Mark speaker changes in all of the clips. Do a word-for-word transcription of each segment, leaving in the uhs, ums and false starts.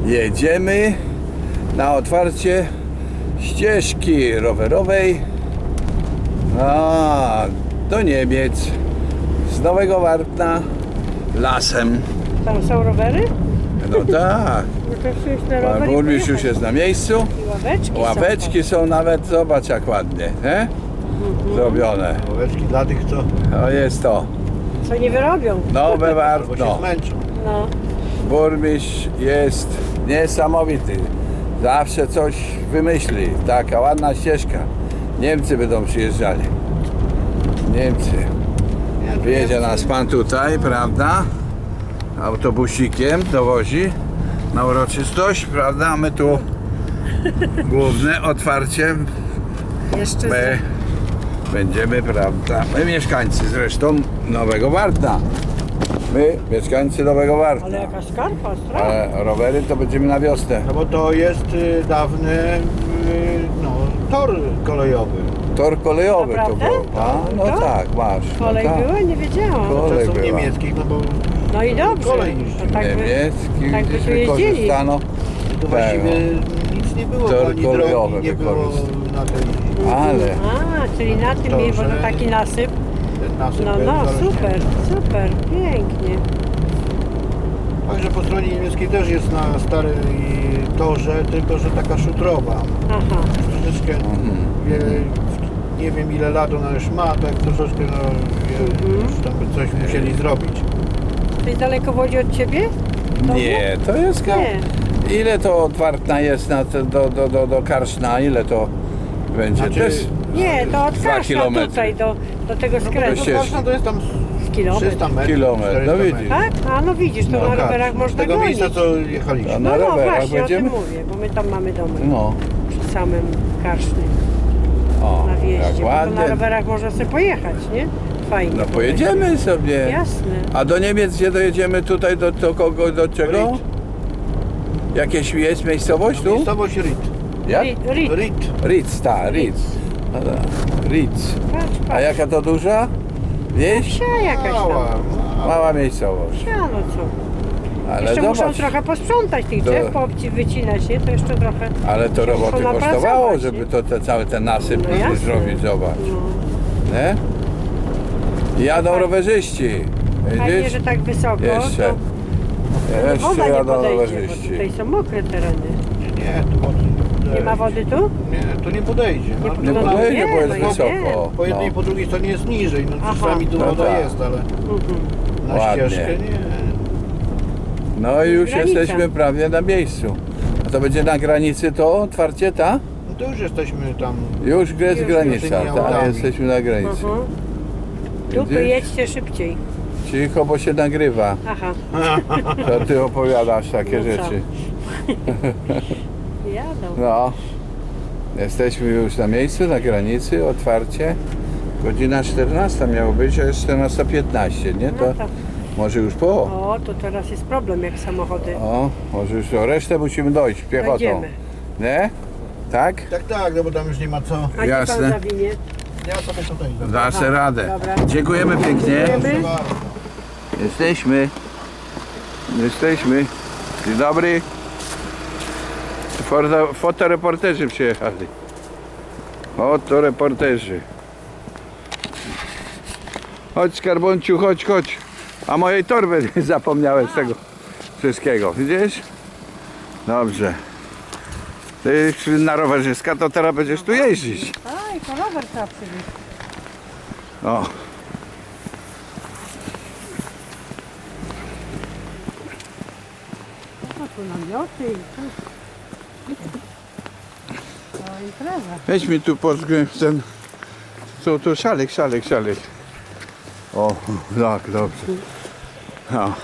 Speaker 1: Jedziemy na otwarcie ścieżki rowerowej a, do Niemiec z Nowego Wartna lasem.
Speaker 2: Tam są rowery?
Speaker 1: No tak.
Speaker 2: No to przecież na
Speaker 1: Pan
Speaker 2: rower i
Speaker 1: burmistrz już
Speaker 2: pojechać.
Speaker 1: jest na miejscu.
Speaker 2: I ławeczki,
Speaker 1: Ławeczki są nawet, zobacz jak ładnie, nie? Zrobione.
Speaker 3: Ławeczki dla tych, co,
Speaker 1: To jest to.
Speaker 2: są. Co nie wyrobią.
Speaker 1: Nowe
Speaker 3: albo
Speaker 1: Wartno.
Speaker 3: się zmęczą.
Speaker 2: No.
Speaker 1: Burmistrz jest niesamowity. Zawsze coś wymyśli. Taka ładna ścieżka. Niemcy będą przyjeżdżali. Niemcy. Wjedzie nas pan tutaj, prawda? Autobusikiem dowozi na uroczystość, prawda? A my tu główne otwarcie.
Speaker 2: Jeszcze
Speaker 1: My będziemy, prawda? My mieszkańcy zresztą Nowego Wartna. My mieszkańcy Nowego Wartna.
Speaker 2: Ale jaka skarpa, strach.
Speaker 1: Ale rowery to będziemy na wiosnę.
Speaker 3: No bo to jest y, dawny y, no, tor kolejowy.
Speaker 1: Tor kolejowy to
Speaker 2: Naprawdę?
Speaker 1: był. A, no
Speaker 2: To?
Speaker 1: tak, masz. No
Speaker 2: Kolej
Speaker 1: tak.
Speaker 2: była? Nie wiedziałam.
Speaker 1: Kolej
Speaker 3: Czasów
Speaker 1: była.
Speaker 3: niemieckich, no bo
Speaker 2: No i dobrze.
Speaker 3: kolej niż
Speaker 2: To tak by,
Speaker 1: Niemiecki,
Speaker 2: tak by
Speaker 1: gdzieś
Speaker 2: tu jeździli.
Speaker 1: wykorzystano.
Speaker 3: to właściwie nic nie było,
Speaker 1: Tor
Speaker 3: ani
Speaker 1: kolejowy
Speaker 3: drogi nie było
Speaker 1: wykorzystany.
Speaker 3: na tej,
Speaker 1: Ale
Speaker 2: A, czyli na tym,
Speaker 3: To,
Speaker 2: mi- bo to
Speaker 3: że-
Speaker 2: taki nasyp.
Speaker 3: ten nasyp
Speaker 2: No,
Speaker 3: był
Speaker 2: no,
Speaker 3: zarośnięty.
Speaker 2: super, super, pięknie.
Speaker 3: Także po stronie niemieckiej też jest na starej torze, tylko że taka szutrowa.
Speaker 2: Aha.
Speaker 3: Troszeczkę,
Speaker 1: Mhm.
Speaker 3: wie, nie wiem ile lat ona już ma, tak troszeczkę no, wie,
Speaker 2: Mhm.
Speaker 3: już tam by coś musieli zrobić.
Speaker 2: Czyli daleko wodzi od ciebie? Domu?
Speaker 1: nie, to jest ka-
Speaker 2: Nie.
Speaker 1: ile to od Wartna jest na te, do, do, do, do Karszna, ile to będzie?
Speaker 3: Znaczy,
Speaker 1: Też
Speaker 2: Nie, to od
Speaker 1: Dwa
Speaker 2: Kaszna
Speaker 1: kilometry.
Speaker 2: tutaj do, do tego
Speaker 3: No,
Speaker 2: skrętu.
Speaker 1: ścieżki.
Speaker 3: Karsna to jest tam
Speaker 2: Z kilometr.
Speaker 3: trzysta metrów,
Speaker 1: Kilometr, no
Speaker 3: czterysta
Speaker 1: widzisz.
Speaker 3: metrów.
Speaker 2: Tak? A no widzisz, to
Speaker 1: No,
Speaker 2: na
Speaker 3: Karsna.
Speaker 2: rowerach
Speaker 3: Z
Speaker 2: można
Speaker 3: tego
Speaker 2: gonić.
Speaker 3: miejsca co jechaliśmy.
Speaker 1: A
Speaker 2: No,
Speaker 1: na
Speaker 2: no
Speaker 1: rowerach
Speaker 2: właśnie,
Speaker 1: będziemy?
Speaker 2: o tym mówię, bo my tam mamy domek
Speaker 1: no,
Speaker 2: przy samym Karszny
Speaker 1: o,
Speaker 2: na wjeździe.
Speaker 1: jak
Speaker 2: Bo to na
Speaker 1: ładnie.
Speaker 2: rowerach można sobie pojechać, nie? Fajnie.
Speaker 1: No pojedziemy sobie.
Speaker 2: Jasne.
Speaker 1: A do Niemiec gdzie dojedziemy tutaj do, do kogo, do czego?
Speaker 3: Ried.
Speaker 1: Jakieś jest miejscowość tu?
Speaker 3: Miejscowość Ried.
Speaker 1: Jak?
Speaker 2: Rit, rit.
Speaker 3: Ried.
Speaker 1: Ritz, tak, Ritz. Ritz.
Speaker 2: Patrz,
Speaker 1: A
Speaker 2: patrz.
Speaker 1: jaka to duża? Wieś?
Speaker 2: Wsia jakaś
Speaker 3: Mała,
Speaker 2: tam.
Speaker 3: mała.
Speaker 1: Mała miejscowość.
Speaker 2: Wsia, no co?
Speaker 1: Ale
Speaker 2: Jeszcze muszą
Speaker 1: zobacz,
Speaker 2: trochę posprzątać tych
Speaker 1: To-
Speaker 2: drzew, poobci wycinać, nie? To jeszcze trochę.
Speaker 1: ale to roboty
Speaker 2: muszą
Speaker 1: kosztowało,
Speaker 2: napracować,
Speaker 1: żeby
Speaker 2: nie?
Speaker 1: to te, cały ten nasyp
Speaker 2: No jasne.
Speaker 1: zrobić, zobacz.
Speaker 2: No.
Speaker 1: Nie? Jadą
Speaker 2: Tak.
Speaker 1: rowerzyści.
Speaker 2: Fajnie,
Speaker 1: Widzisz?
Speaker 2: że tak wysoko.
Speaker 1: Jeszcze.
Speaker 2: To woda
Speaker 1: Jeszcze
Speaker 2: nie
Speaker 1: jadą
Speaker 2: podejdzie, bo
Speaker 1: rowerzyści.
Speaker 2: tutaj są mokre tereny.
Speaker 3: Nie, nie, tu wody nie podejdzie.
Speaker 2: Nie ma wody tu?
Speaker 3: Nie, tu nie podejdzie.
Speaker 2: Nie
Speaker 3: No,
Speaker 2: po-
Speaker 1: Nie
Speaker 2: No,
Speaker 1: podejdzie,
Speaker 2: nie,
Speaker 1: bo jest
Speaker 2: no ja
Speaker 1: wysoko.
Speaker 2: wiem.
Speaker 3: Po jednej i
Speaker 1: No.
Speaker 3: po drugiej stronie jest niżej. No
Speaker 2: Aha.
Speaker 3: czasami tu
Speaker 1: No
Speaker 3: woda
Speaker 1: tak.
Speaker 3: jest, ale
Speaker 2: Mhm.
Speaker 3: na
Speaker 1: Ładnie.
Speaker 3: ścieżkę nie.
Speaker 1: No i już
Speaker 2: Granica.
Speaker 1: jesteśmy prawie na miejscu. A to będzie na granicy to otwarcie, ta?
Speaker 3: No to już jesteśmy tam.
Speaker 1: Już jest
Speaker 2: Już,
Speaker 1: granica,
Speaker 3: już
Speaker 1: tak,
Speaker 3: autami.
Speaker 1: jesteśmy na granicy.
Speaker 2: Mhm. Tu
Speaker 1: Widzisz?
Speaker 2: jedźcie szybciej.
Speaker 1: Cicho, bo się nagrywa.
Speaker 2: Aha.
Speaker 1: To ty opowiadasz takie
Speaker 2: No co?
Speaker 1: rzeczy.
Speaker 2: Jadą.
Speaker 1: No. Jesteśmy już na miejscu, na granicy, otwarcie. Godzina czternasta miało być, a jest czternasta piętnaście, nie? To
Speaker 2: No to.
Speaker 1: może już po.
Speaker 2: O, to teraz jest problem jak samochody.
Speaker 1: O, może już o resztę musimy dojść piechotą.
Speaker 2: Dojdziemy.
Speaker 1: Nie? Tak?
Speaker 3: Tak, tak, no bo tam już nie ma co.
Speaker 2: A gdzie
Speaker 1: Jasne.
Speaker 2: pan zawinie?
Speaker 3: Ja sobie tutaj.
Speaker 1: Dasz
Speaker 2: Aha,
Speaker 1: radę.
Speaker 2: dobra.
Speaker 1: Dziękujemy pięknie.
Speaker 2: Dziękujemy.
Speaker 1: Jesteśmy. Jesteśmy. Dzień dobry. Foto, fotoreporterzy przyjechali. Fotoreporterzy. Chodź Skarbonciu, chodź, chodź. A mojej torby zapomniałem z tego wszystkiego. Widzisz? Dobrze. Ty na rowerzyska to teraz będziesz tu jeździć.
Speaker 2: Aj, to rower trzeba przywieźć.
Speaker 1: O.
Speaker 2: No tu namioty i tu. To impreza.
Speaker 1: Weź mi tu pod ten. Co to szalek, szalek, szalek. O, tak, dobrze. No.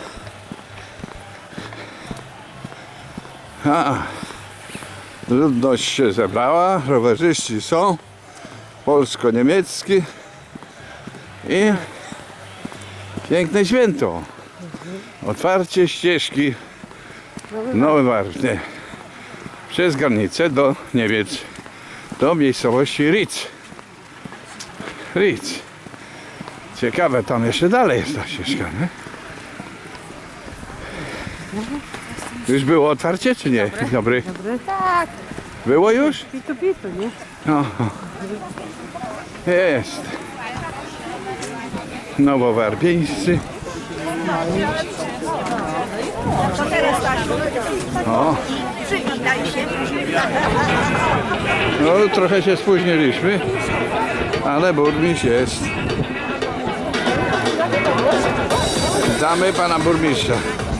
Speaker 1: A. Ludność się zebrała, rowerzyści są, polsko-niemiecki i piękne święto. Otwarcie ścieżki Nowe Wartny przez granicę do Niemiec, do miejscowości Ritz. Ritz. Ciekawe, tam jeszcze dalej jest ta ścieżka, nie? Już było otwarcie, czy nie? Dzień dobry.
Speaker 2: Dobry. Tak.
Speaker 1: Było już?
Speaker 2: Pitu, pitu, nie?
Speaker 1: No. Jest. Nowowarpieńscy. O. No trochę się spóźniliśmy, ale burmistrz jest. Witamy pana burmistrza.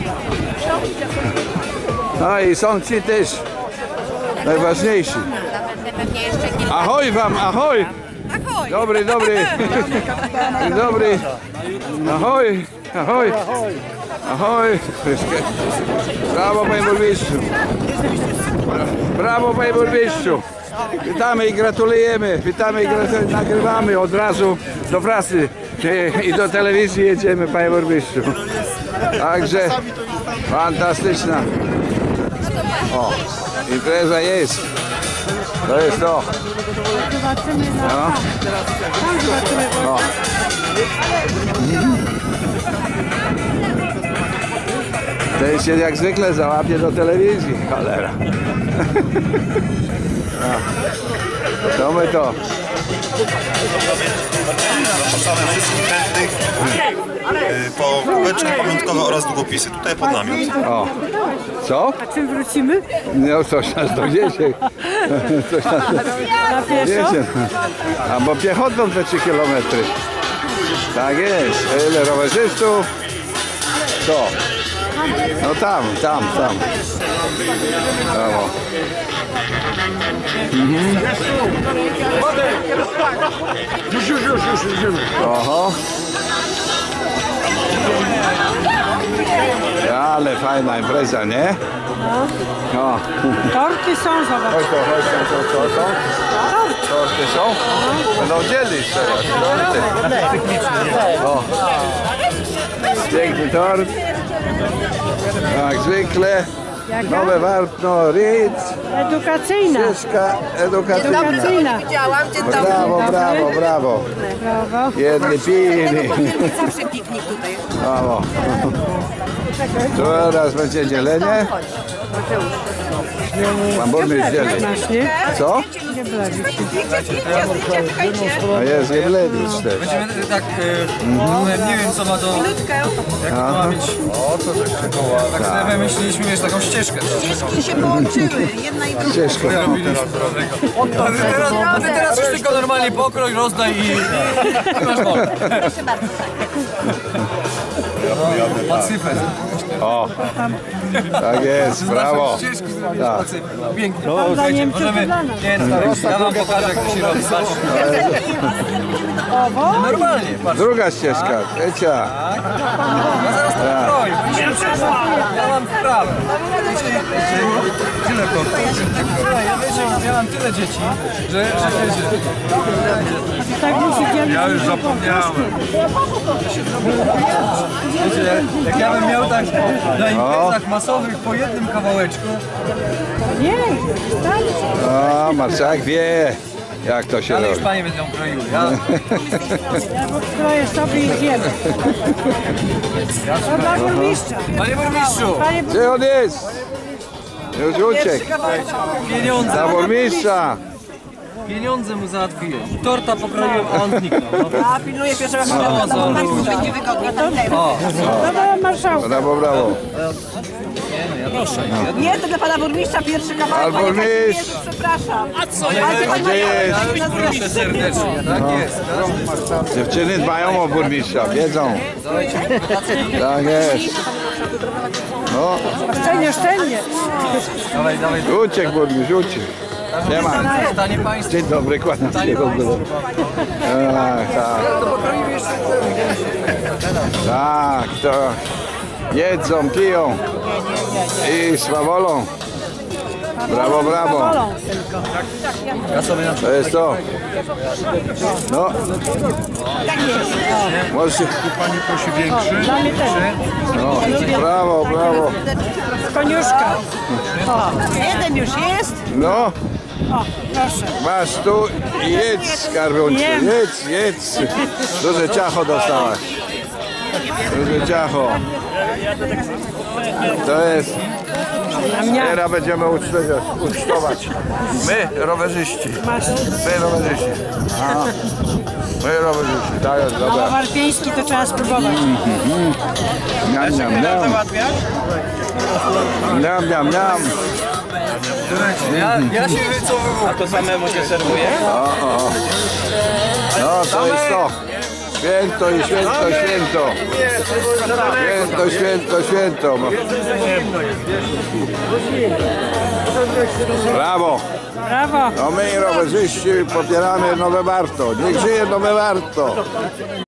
Speaker 1: No i są ci też najważniejsi. Ahoj wam, ahoj! Dobry, dobry. Dzień dobry. Ahoj, ahoj. Ahoj. Brawo panie burmistrzu. Brawo panie burmistrzu. Witamy i gratulujemy. Witamy i gratulujemy. Nagrywamy od razu do prasy i do telewizji jedziemy panie burmistrzu. Także fantastyczna. O, impreza jest. To jest to.
Speaker 2: Zobaczymy na...
Speaker 1: No.
Speaker 2: Tam zobaczymy.
Speaker 1: O. Ten się jak zwykle załapie do telewizji, cholera. No. To my to.
Speaker 4: Zapraszamy wszystkich chętnych y, po kubeczki pamiątkowe oraz długopisy. Tutaj pod namiot.
Speaker 1: O. Co?
Speaker 2: A czym wrócimy?
Speaker 1: No coś nas dowiezie. Coś nas
Speaker 2: Na pieszo?
Speaker 1: dowiezie. A bo piechotą te trzy kilometry. Tak jest. Ile rowerzystów? To. No tam, tam, tam. Brawo.
Speaker 3: Już, już, już, już idziemy.
Speaker 1: Oho. Ale fajna impreza, nie? O.
Speaker 2: Torty są, zobacz.
Speaker 1: Chodź to, chodź to, co, co są? Torty są? Będą dzielić teraz, torty. O. Piękny tort. Jak zwykle. Nowe Warpno, Ritz,
Speaker 2: Edukacyjna.
Speaker 1: ścieżka edukacyjna.
Speaker 2: Edukacyjna.
Speaker 1: Brawo, brawo, brawo.
Speaker 2: Brawo.
Speaker 1: Jedni pili.
Speaker 5: Zawsze piknik tutaj.
Speaker 1: Brawo. Teraz będzie dzielenie. Pan burmistrz dzieli.
Speaker 2: Masz, nie?
Speaker 1: Co?
Speaker 2: Nie blazi.
Speaker 1: A jest Jeblewicz też.
Speaker 6: Będziemy tak, e, nie wiem co ma to, jak to ma mieć. Tak sobie wymyśliliśmy, wiesz, taką ścieżkę.
Speaker 5: Ścieżki się połączyły, jedna i druga.
Speaker 1: Ścieżka.
Speaker 6: A ty teraz, a ty teraz już tylko normalnie pokrój, rozdaj i, i masz wolę.
Speaker 5: Proszę bardzo.
Speaker 6: No, pacyfę.
Speaker 1: O, tak jest, brawo.
Speaker 6: Ścieżki zrobić
Speaker 1: Tak.
Speaker 6: pacyfę. Pięknie.
Speaker 2: Dla
Speaker 6: Słuchajcie,
Speaker 2: Niemców
Speaker 6: możemy,
Speaker 2: i dla nas.
Speaker 6: nie, no, ja wam pokażę jak to się robi. Patrzcie. Normalnie, patrz.
Speaker 1: Druga ścieżka, trzecia.
Speaker 6: Ja zaraz to pokroję. Ja mam sprawę. Tyle to. Ja wiecie, ja mam tyle dzieci, że, że wiecie.
Speaker 2: Tak musi dzielić.
Speaker 6: Ja już zapomniałem. Wiecie, jak ja bym miał tak na imprezach masowych po jednym kawałeczku,
Speaker 2: Nie, wystarczy.
Speaker 1: O, marszałek wie, jak to się
Speaker 6: ale już
Speaker 1: robi.
Speaker 6: panie będą kroiły. Ja,
Speaker 2: Ja pokroję sobie i zjem. To dla burmistrza.
Speaker 6: panie burmistrzu,
Speaker 2: Panie
Speaker 1: Gdzie on jest? Już uciekł.
Speaker 6: pieniądze,
Speaker 1: Za burmistrza.
Speaker 6: pieniądze mu załatwiłem. Torta pokroiłem, a on zniknął. No,
Speaker 5: A pilnuję pierwszego
Speaker 6: no, no, no.
Speaker 5: będzie wygodnie.
Speaker 6: O,
Speaker 2: Dobra, marszałka.
Speaker 1: Brawo, brawo.
Speaker 6: proszę.
Speaker 5: Nie, to dla pana burmistrza pierwszy kawałek.
Speaker 1: Pan
Speaker 5: panie
Speaker 1: burmistrz.
Speaker 5: Kazimierzu, Przepraszam. A co?
Speaker 1: A gdzie jest?
Speaker 6: Ja już proszę serdecznie, tak jest.
Speaker 1: Dziewczyny dbają o burmistrza, wiedzą. Tak jest. No,
Speaker 2: Szczelnie, szczelnie.
Speaker 6: Dawaj, dawaj.
Speaker 1: uciekł burmistrz, uciekł. Nie ma.
Speaker 6: Stanie państwo.
Speaker 1: Dzień dobry, kłaniam się.
Speaker 6: Stanie państwo.
Speaker 1: Tak, tak. Tak, to jedzą, piją i swawolą. Brawo, brawo.
Speaker 2: Wolą tylko.
Speaker 6: Ja sobie na
Speaker 1: To jest to. No. Może się...
Speaker 4: Pani prosi większy.
Speaker 2: Dla mnie też.
Speaker 1: No. Brawo, brawo.
Speaker 2: Koniuszka.
Speaker 5: Jeden już jest.
Speaker 1: No,
Speaker 2: O, proszę.
Speaker 1: masz tu i jedz, skarbuncie. Jedz, jedz. Duże ciacho dostałaś. Duże ciacho. To jest... Teraz będziemy ucztować. ucztować. My, rowerzyści. My, rowerzyści. A, my, rowerzyści. Tak jest,
Speaker 2: A
Speaker 1: dobra.
Speaker 2: warpieński to trzeba spróbować.
Speaker 1: Niam, niam, niam. Niam, niam, niam.
Speaker 6: Ja, ja się wycofuję.
Speaker 7: A to samemu się serwuje?
Speaker 1: No, to jest to. Święto i święto, święto. Święto, święto, święto. Brawo.
Speaker 2: Brawo.
Speaker 1: No my, rowerzyści, popieramy Nowe Warto. Niech żyje Nowe Warto.